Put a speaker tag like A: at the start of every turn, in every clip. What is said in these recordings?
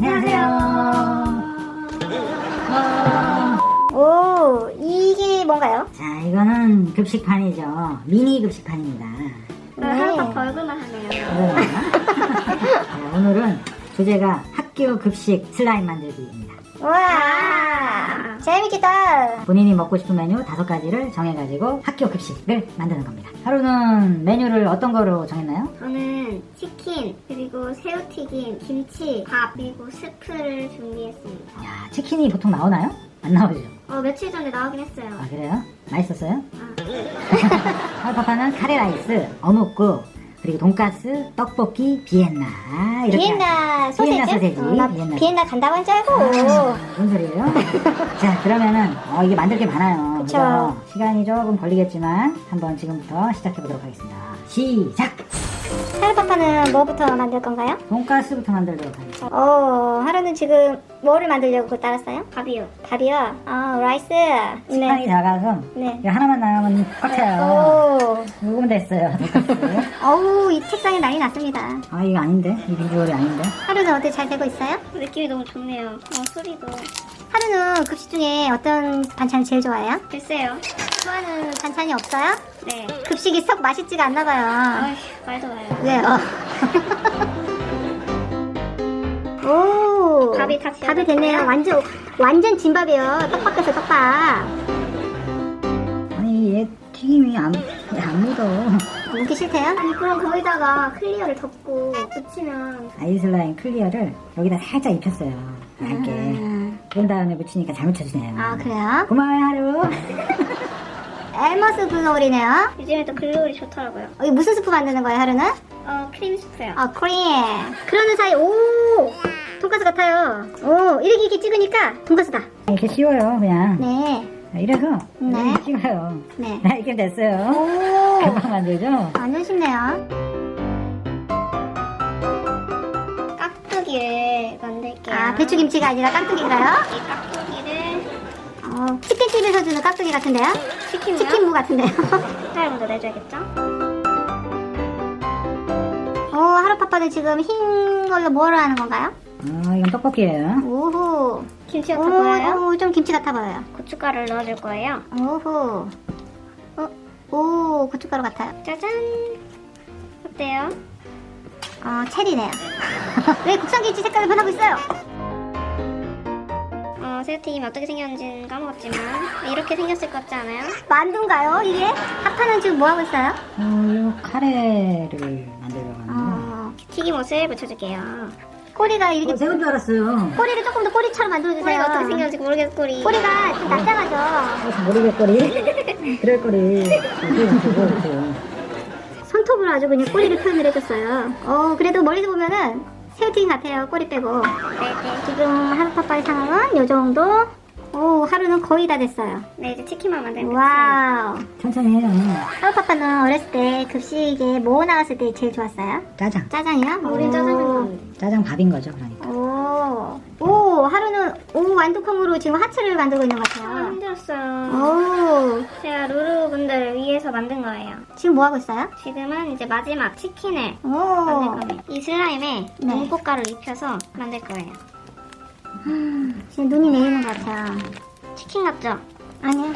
A: 안녕하세요.
B: 오, 이게 뭔가요?
A: 자, 이거는 급식판이죠. 미니 급식판입니다.
B: 하루가 벌금을 하네요.
A: 자, 오늘은 주제가 학교 급식 슬라임 만들기입니다.
B: 우와, 재밌겠다.
A: 본인이 먹고 싶은 메뉴 5가지를 정해가지고 학교 급식을 만드는 겁니다. 하루는 메뉴를 어떤 거로 정했나요?
B: 저는 치킨, 그리고 새우튀김, 김치, 밥, 그리고 스프를 준비했습니다.
A: 야, 치킨이 보통 나오나요? 안 나오죠?
B: 며칠 전에 나오긴 했어요.
A: 아, 그래요? 맛있었어요?
B: 아.
A: 하루파파는 카레라이스, 어묵국, 그리고 돈가스, 떡볶이, 비엔나 이렇게
B: 비엔나 소세지?
A: 비엔나 소세지.
B: 나 비엔나 간다고 한 줄 알고.
A: 무슨 소리예요? 자, 그러면은 이게 만들 게 많아요.
B: 그쵸.
A: 그죠? 시간이 조금 걸리겠지만 한번 지금부터 시작해 보도록 하겠습니다. 시작!
B: 하루파파는 뭐부터 만들 건가요?
A: 돈가스부터 만들도록 하겠습니다.
B: 하루는 지금 뭐를 만들려고 따랐어요? 밥이요. 밥이요? 라이스.
A: 시간이 작아서
B: 네.
A: 이거 하나만 나오면 꽉 차요.
B: 오.
A: 녹으면 됐어요. 돈가스.
B: 어우, 이 책상에 난리 났습니다.
A: 아, 이거 아닌데? 이 비주얼이 아닌데?
B: 하루는 어때? 잘 되고 있어요? 느낌이 너무 좋네요. 소리도. 하루는 급식 중에 어떤 반찬을 제일 좋아해요? 글쎄요. 좋아하는 반찬이 없어요? 네. 급식이 썩 맛있지가 않나 봐요. 말도 마요. 왜요? 오. 밥이 됐네요. 완전 진밥이에요. 떡밥에서 떡밥.
A: 아니, 얘 튀김이 안 묻어.
B: 먹기 싫대요? 아니, 그럼 거기다가 클리어를 덮고 묻히면.
A: 아이슬라임 클리어를 여기다 살짝 입혔어요. 얇게. 그런 다음에 묻히니까 잘 묻혀지네요.
B: 아, 그래요?
A: 고마워요, 하루.
B: 엘머스 글로리네요. 요즘에 또 글로리 좋더라고요. 이게 무슨 스프 만드는 거예요, 하루는? 크림 스프요. 크림. 그러는 사이, 돈가스 같아요. 이렇게 찍으니까 돈가스다.
A: 이렇게 쉬워요, 그냥.
B: 네.
A: 이래서
B: 네.
A: 이렇게 찍어요.
B: 네.
A: 이렇게 됐어요.
B: 오.
A: 금방 만들죠?
B: 완전 쉽네요. 깍두기를 만들게요. 배추김치가 아니라 깍두기인가요? 이 깍두기를 치킨집에서 주는 깍두기 같은데요? 치킨무 같은데요? 색깔 먼저 내줘야겠죠? 하루파파는 지금 흰 걸로 뭐를 하는 건가요?
A: 이건 떡볶이예요.
B: 오호. 김치 같아 보여요? 좀 김치 같아 보여요. 고춧가루를 넣어줄 거예요. 오호. 고춧가루 같아요. 짜잔. 어때요? 체리네요. 왜 국산김치 색깔이 변하고 있어요? 새우튀김이 어떻게 생겼는지는 까먹었지만 이렇게 생겼을 것 같지 않아요? 만두인가요, 이게? 하파는 지금 뭐하고 있어요?
A: 이 카레를 만들려고 하는데.
B: 튀김옷을 붙여줄게요. 꼬리가 이렇게
A: 새우인 줄 알았어요.
B: 꼬리를 조금 더 꼬리처럼 만들어주세요. 꼬리가 어떻게 생겼는지 모르겠어, 꼬리가 좀 납작하죠.
A: 모르겠거리. 그럴 거리.
B: 손톱으로 아주 그냥 꼬리를 표현을 해줬어요. 그래도 멀리서 보면은 새우튀김 같아요, 꼬리 빼고. 네네. 지금 하루파파의 상황은 요 정도. 하루는 거의 다 됐어요. 네, 이제 치킨만 만들면 됐어요. 와우.
A: 천천히 해요.
B: 하루파파는 어렸을 때 급식에 뭐 나왔을 때 제일 좋았어요?
A: 짜장.
B: 짜장이요? 우린 짜장면 나왔는데.
A: 짜장 밥인 거죠, 그러니까.
B: 하루는 완두콩으로 지금 하츠를 만들고 있는 것 같아요. 힘들었어요. 제가 루루분들을 위해서 만든 거예요. 지금 뭐 하고 있어요? 지금은 이제 마지막 치킨을 만들 겁니다. 이 슬라임에 눈꽃가루를 입혀서 만들 거예요. 지금 눈이 내리는 것 같아요. 치킨 같죠? 아니요.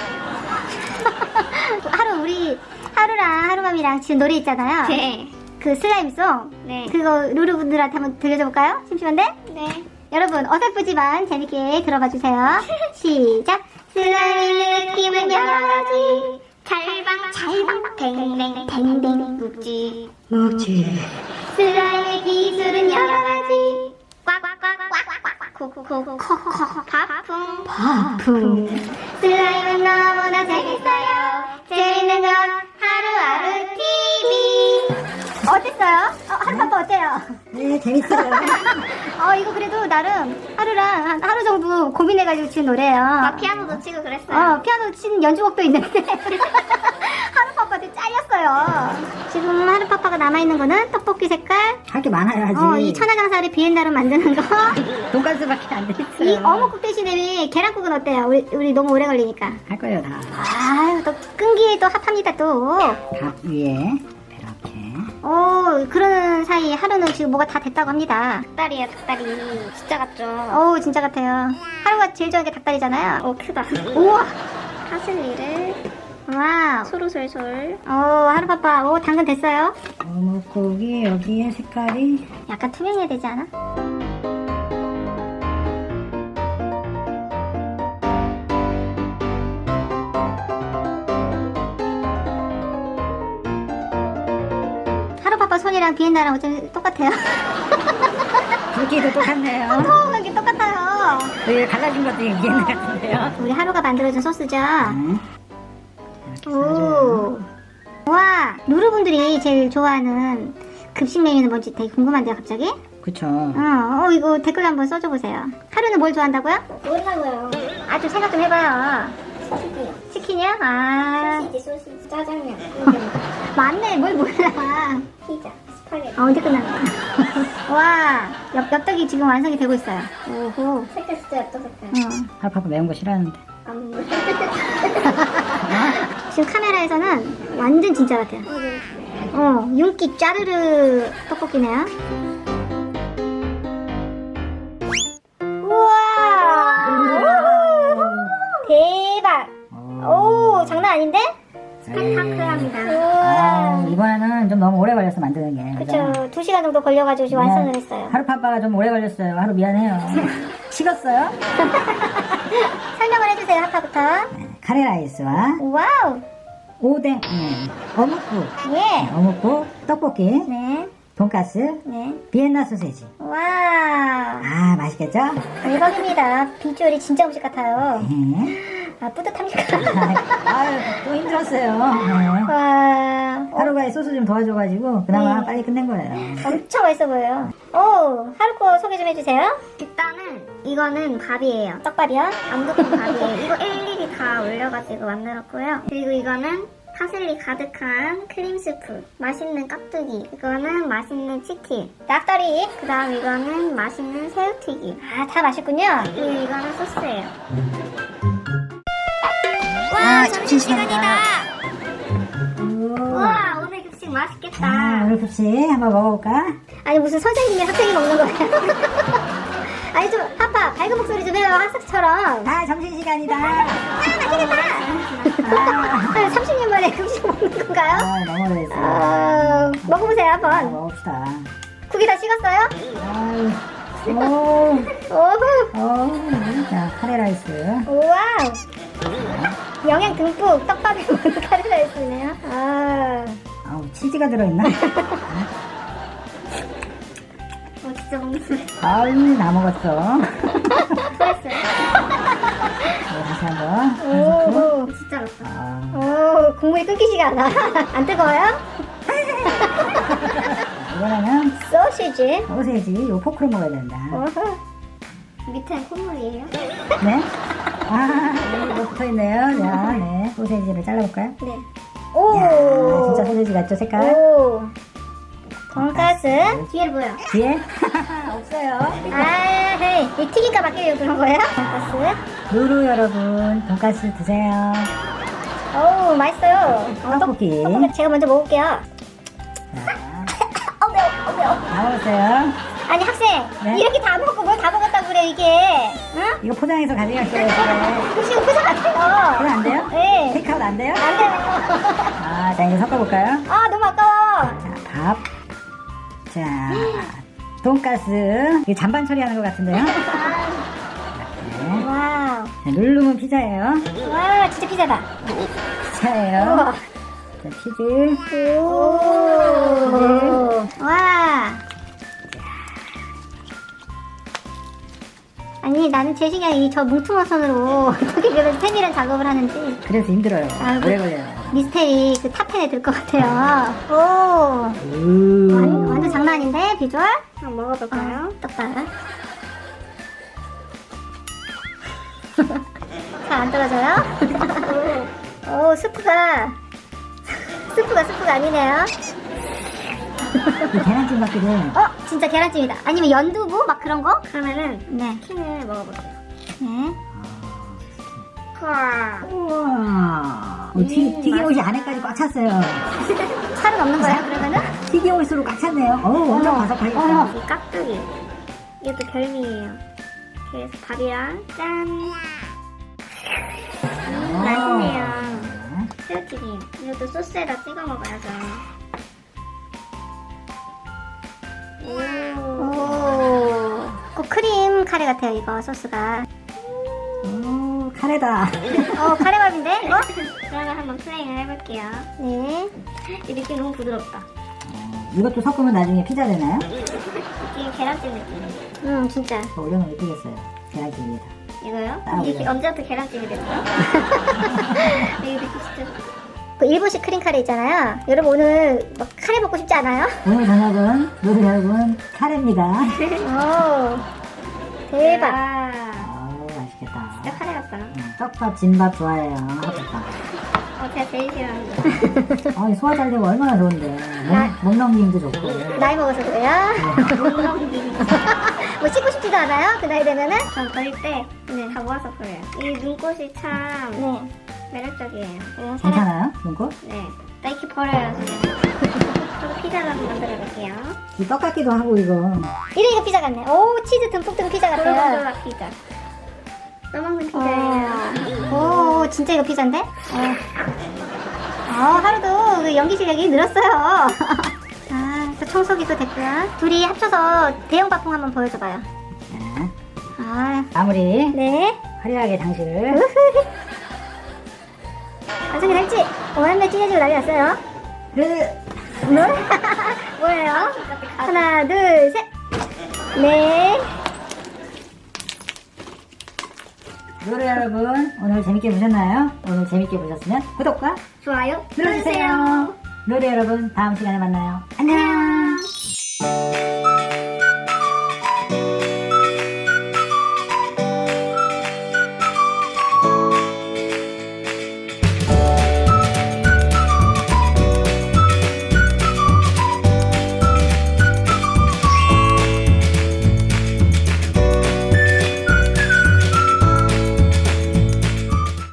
B: 하루랑 하루맘이랑 지금 노래 있잖아요. 네. 그 슬라임송. 네. 그거 루루분들한테 한번 들려줘 볼까요? 심심한데? 네. 여러분 어설프지만 재밌게 들어봐 주세요. 시작. 슬라임 느낌은 여러 가지. 찰방 댕댕 묵지. 슬라임의 기술은 여러 가지. 꽉꽉꽉꽉꽉 바풍. 슬라임은 너무나 재밌어요. 재밌는 건 하루하루 TV. 어땠어요? 하루파파 어때요?
A: 네, 재밌어요.
B: 이거 그래도 나름 하루랑 한 하루 정도 고민해가지고 지은 노래예요. 피아노도 치고 그랬어요. 피아노 치는 연주곡도 있는데 하루파파한테 잘렸어요. 지금 하루파파가 남아있는 거는 떡볶이 색깔.
A: 할 게 많아요, 아직.
B: 이 천하장사를 비엔나로 만드는 거.
A: 돈가스밖에 안 돼 있어요.
B: 이 어묵국 대신에 계란국은 어때요? 우리 너무 오래 걸리니까.
A: 할 거예요, 다.
B: 또 끈기에 또 합합니다, 또.
A: 밥 위에 이렇게.
B: 그러는 사이 하루는 지금 뭐가 다 됐다고 합니다. 닭다리야, 닭다리. 진짜 같죠? 진짜 같아요. 하루가 제일 좋아하는 게 닭다리잖아요. 크다. 우와! 파슬리를. 와우. 소로솔솔. 하루 바빠. 당근 됐어요?
A: 어묵고기 여기에 색깔이
B: 약간 투명해야 되지 않아? 하루바빠 손이랑 비엔나랑 어차피 똑같아요.
A: 굵기도 똑같네요.
B: 통통한 게 똑같아요.
A: 여기 갈라진 것도 비엔나 같은데요.
B: 우리 하루가 만들어준 소스죠.
A: 이렇게
B: 오.
A: 싸줘요.
B: 와, 루루분들이 제일 좋아하는 급식 메뉴는 뭔지 되게 궁금한데요, 갑자기?
A: 그쵸.
B: 이거 댓글 한번 써줘 보세요. 하루는 뭘 좋아한다고요? 모르겠어요. 좀 생각 좀 해봐요. 치킨이요?
C: 소시지, 짜장면,
B: 맞네, 뭘 몰라.
C: 피자, 스파게티.
B: 언제 끝나는 거야? 와, 엽떡이 지금 완성이 되고 있어요. 오호.
C: 색깔 진짜 엽떡색깔.
A: 하루파파 매운 거 싫어하는데.
C: 안 먹어.
B: 지금 카메라에서는 완전 진짜 같아요. 윤기 짜르르 떡볶이네요. 우와! 대박! 오, 장난 아닌데? 스펙타클합니다. 우와.
A: 이번에는 좀 너무 오래 걸렸어 만드는 게.
B: 그쵸. 2시간 정도 걸려가지고 지금 완성을 했어요.
A: 하루파파가 좀 오래 걸렸어요. 하루 미안해요. 식었어요?
B: 설명을 해주세요, 하파부터.
A: 카레라이스와
B: 와우!
A: 오뎅, 어묵국,
B: 예!
A: 어묵국, 떡볶이,
B: 네.
A: 돈가스,
B: 네.
A: 비엔나 소세지.
B: 와!
A: 맛있겠죠?
B: 대박입니다. 비주얼이 진짜 음식 같아요. 뿌듯합니까?
A: 또 힘들었어요. 네.
B: 와,
A: 하루가 소스 좀 도와줘가지고 그나마
B: 네.
A: 빨리 끝낸 거예요.
B: 엄청 맛있어 보여요. 하루 거 소개 좀 해주세요. 일단은 이거는 밥이에요. 떡밥이요? 안부동 밥이에요. 이거 일일이 다 올려가지고 만들었고요. 그리고 이거는 파슬리 가득한 크림 스프, 맛있는 깍두기, 이거는 맛있는 치킨, 닭다리, 그 다음 이거는 맛있는 새우튀김. 다 맛있군요. 그리고 이거는 소스예요. 와, 점심시간이다. 와, 오늘 급식 맛있겠다.
A: 오늘 급식 한번 먹어볼까?
B: 아니, 무슨 선생님이 학생이 먹는 거예요? 아니, 좀, 하파, 밝은 목소리 좀 해요, 학생처럼.
A: 점심시간이다.
B: 맛있겠다. 30년 만에 급식 먹는 건가요?
A: 너무 오래됐어.
B: 먹어보세요, 한번.
A: 먹읍시다.
B: 국이 다 식었어요? 오호.
A: 자, 카레라이스.
B: 우와우. 영양 듬뿍 떡밥에 먹는 카레라이스네요.
A: 치즈가 들어있나?
B: 진짜 먹는 소리.
A: 다 먹었어.
B: 잘했어요.
A: 다시 한번.
B: 오, 진짜 맛있다. 국물이 끊기지가 않아. 안 뜨거워요?
A: 이번에는
B: 소시지.
A: 소세지, 요 포크로 먹어야 된다.
B: 밑에는 콧물이에요?
A: 네? 여기 붙어있네요. 자, 네. 소세지를 잘라볼까요?
B: 네.
A: 이야, 진짜 소세지 같죠, 색깔?
B: 오. 돈가스. 뒤에 뭐요?
A: 뒤에? 없어요.
B: 헤이. 이 튀김가 맞게 그런 거예요? 돈가스.
A: 루루 여러분, 돈가스 드세요.
B: 오, 맛있어요.
A: 떡볶이.
B: 떡볶이 제가 먼저 먹을게요.
A: 자,
B: 매워.
A: 다 먹었어요.
B: 아니, 학생.
A: 네?
B: 이렇게 다 먹고 뭘 다 먹었다고 그래, 이게. 응?
A: 이거 포장해서 가져갈게요. 이제.
B: 급식은 포장 안 돼요.
A: 그건 안 돼요?
B: 네.
A: 테이크아웃 안 돼요?
B: 안 돼요.
A: 자, 이제 섞어볼까요?
B: 너무 아까워.
A: 자, 밥. 자, 돈가스. 이거 잔반 처리하는 것 같은데요? 네.
B: 와우.
A: 자, 누르면 피자예요.
B: 와, 진짜 피자다.
A: 피자예요.
B: 우와.
A: 자, 치즈.
B: 오. 와. 아니, 나는 제 시간에 저 뭉퉁한 손으로 어떻게 그런 세밀한 작업을 하는지
A: 그래서 힘들어요.
B: 아이고.
A: 오래 걸려요.
B: 미스테리 그 탑10에 들 것 같아요. 오. 완전 장난 아닌데, 비주얼? 한번 먹어볼까요? 떡밥. 잘 안 떨어져요? 오, 스프가 아니네요.
A: 이 계란찜 같기도 해요.
B: 진짜 계란찜이다. 아니면 연두부? 막 그런 거? 그러면은, 네. 치킨을 먹어볼게요. 네.
A: 우와. 튀김옷이 안에까지 꽉 찼어요.
B: 살은 없는 거예요, 그러면은?
A: 튀김옷으로 꽉 찼네요. 엄청 바삭하겠다.
B: 이 깍두기. 이것도 별미예요. 그래서 밥이랑 짠. 맛있네요. 새우튀김. 이것도 소스에다 찍어 먹어야죠. 오, 크림 카레 같아요, 이거 소스가.
A: 오, 카레다.
B: 카레밥인데, 이거? 그러면 한번 플레잉을 해볼게요. 네. 이 느낌 너무 부드럽다.
A: 이것도 섞으면 나중에 피자 되나요?
B: 느낌 계란찜 느낌. 진짜.
A: 더 올려놓으면 예쁘겠어요. 계란찜 위에다.
B: 이거요? 이게
A: 올려.
B: 언제부터 계란찜이 됐죠? 이거 느낌 진짜. 그 일본식 크림 카레 있잖아요. 여러분 오늘 막 카레 먹고 싶지 않아요?
A: 오늘 저녁은 요리 여러분 카레입니다.
B: 오, 대박.
A: 맛있겠다.
B: 진짜 카레 같다.
A: 떡밥, 진밥 좋아해요. 핫떡밥.
B: 제가 제일 싫어하는 거.
A: 소화 잘 되고 얼마나 좋은데. 목 넘김도 좋고.
B: 나이 먹어서 그래요? 뭐 씻고 싶지도 않아요? 그 나이 되면은? 전 버릴 때 다 모아서 버려요. 이 눈꽃이 참 매력적이에요.
A: 괜찮아요? 눈꽃?
B: 네. 나 이렇게 버려요, 지금. 저도 피자를 한번 만들어 볼게요.
A: 이 떡 같기도 하고 이거.
B: 이거 피자 같네. 오, 치즈 듬뿍 든 피자 같아요. 도라도라 피자. 떠먹는 피자예요. 오, 진짜 이거 피자인데? 하루도 그 연기 실력이 늘었어요. 또 청소기도 됐고요. 둘이 합쳐서 대형 바풍 한번 보여줘봐요.
A: 네.
B: 네.
A: 마무리. 화려하게 장식을.
B: 완성이 될지 오랜만에 찢어지고 난리 났어요. 뭐예요? 하나, 둘, 셋. 네.
A: 노래 여러분 오늘 재밌게 보셨나요? 오늘 재밌게 보셨으면 구독과
B: 좋아요
A: 눌러주세요. 노래 여러분 다음 시간에 만나요. 안녕.